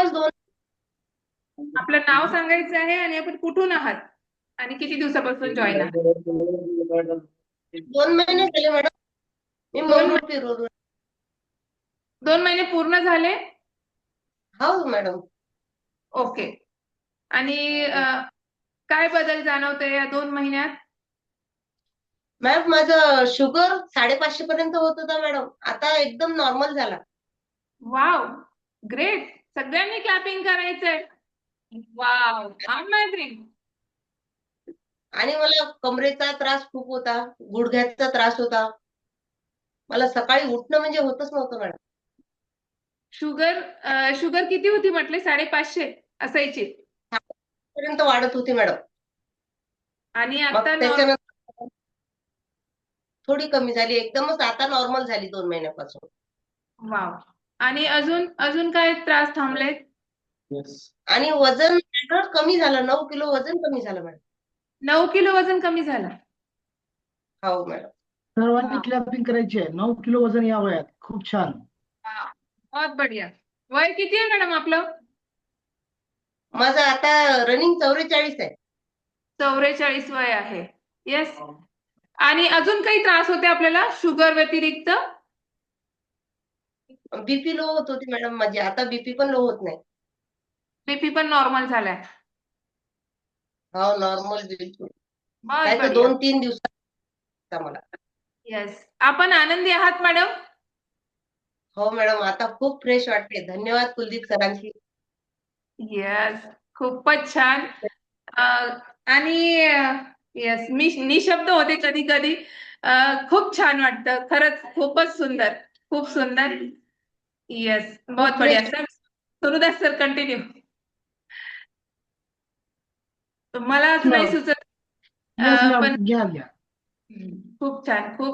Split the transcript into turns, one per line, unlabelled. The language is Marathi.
जवळपास दोन.
आपलं नाव सांगायचं आहे आणि आपण कुठून आहात आणि किती दिवसापासून जॉईन आहात.
2 महिने झाले मॅडम. मी
दोन
मंगरुळपीर.
2 महिने पूर्ण झाले.
हो मॅडम.
ओके. आणि काय बदल जाणवतोय या 2 महिन्यात.
मॅम माझं शुगर 550 पर्यंत होत होता मॅडम, आता एकदम नॉर्मल झाला.
Wow, great. सगळ्यांनी क्लॅपिंग करायचंय. Wow, amazing.
आणि मला कमरेचा त्रास खूप होता, गुडघ्याचा त्रास होता. मला सकाळी उठणं म्हणजे होतच नव्हतं मॅडम.
शुगर शुगर किती होती म्हटले. 550 असायची.
पर्यंत वाढत होती मॅडम.
आणि
मग
आता
त्याच्यानंतर थोडी कमी झाली, एकदमच आता नॉर्मल झाली 2 महिन्यापासून.
वाव. आणि अजून अजून काय त्रास थांबलेत.
आणि वजन माझं कमी झालं, 9 किलो वजन कमी झालं मॅडम.
9 किलो वजन कमी झालं.
हो मॅडम.
सर्वांनी
वाव,
क्लॅपिंग करायची आहे. 9 किलो वजन या वयात खूप छान.
वाव. बहुत बढिया. वय किती आहे मॅडम आपलं.
माझं आता रनिंग 44 आहे.
44 वय आहे. येस. आणि अजून काही त्रास होते आपल्याला शुगर व्यतिरिक्त.
बीपी लो होत होती मॅडम माझी, आता बीपी पण लो होत नाही.
बीपी पण नॉर्मल झालाय.
हो नॉर्मल बिलकुल.
बहुत
काय तर
बढिया.
2-3 दिवसात मला.
येस. आपण आनंदी आहात मॅडम.
हो मॅडम, आता खूप फ्रेश वाटते. धन्यवाद कुलदीप सरांची.
येस. खूपच छान. आणि येस, मी निशब्द होते कधी कधी. खूप छान वाटतं खरंच. खूपच सुंदर. खूप सुंदर. येस,
खूप
बहुत
फ्रेश.
बढिया सर. सुरू द्या सर, कंटिन्यू. मला
येस
असं नाही
मॅम.
सुचत.
येस मॅम,
पण
घ्या घ्या.
खूप छान. खूप